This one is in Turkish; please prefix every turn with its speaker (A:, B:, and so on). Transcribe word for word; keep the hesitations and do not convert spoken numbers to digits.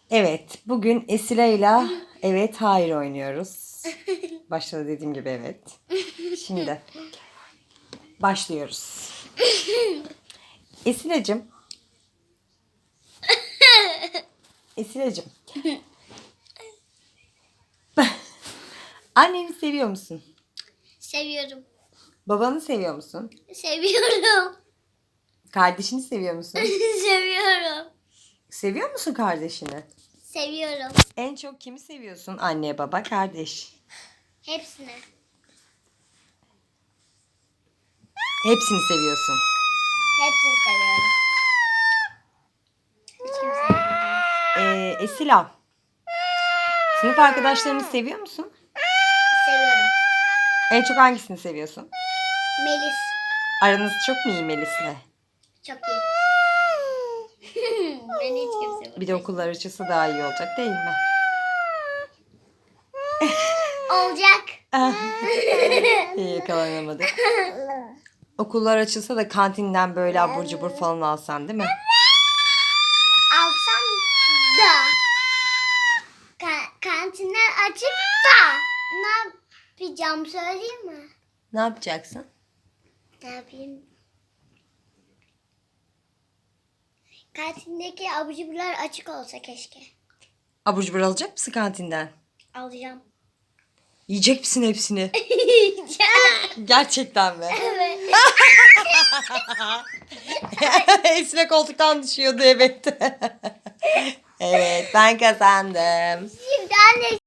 A: Evet, bugün Esile'yle evet hayır oynuyoruz. Başta da dediğim gibi evet. Şimdi başlıyoruz. Esile'cim. Esile'cim. Anneni seviyor musun?
B: Seviyorum.
A: Babanı seviyor musun?
B: Seviyorum.
A: Kardeşini seviyor musun?
B: Seviyorum.
A: Seviyor musun kardeşini?
B: Seviyorum.
A: En çok kimi seviyorsun? Anne, baba, kardeş.
B: Hepsini.
A: Hepsini seviyorsun.
B: Hepsini seviyorum. Hiç kimse sevmiyorum.
A: Ee, Esila. Sınıf arkadaşlarını seviyor musun?
B: Seviyorum.
A: En çok hangisini seviyorsun?
B: Melis.
A: Aranız çok mu iyi Melis'le?
B: Çok iyi. Ben hiç kimse
A: Bir de okullar açılsa daha iyi olacak değil mi?
B: olacak.
A: İyi yakalanamadık. Okullar açılsa da kantinden böyle abur cubur falan alsan değil mi?
B: Alsam da ka- kantinler açık da ne yapacağım söyleyeyim mi?
A: Ne yapacaksın?
B: Ne yapayım? Kantindeki abur cuburlar açık olsa keşke.
A: Abur cubur alacak mısın kantinden?
B: Alacağım.
A: Yiyecek misin hepsini? Gerçekten mi?
B: Evet.
A: Esile koltuktan düşüyordu evet. Evet ben kazandım.
B: Şimdi anne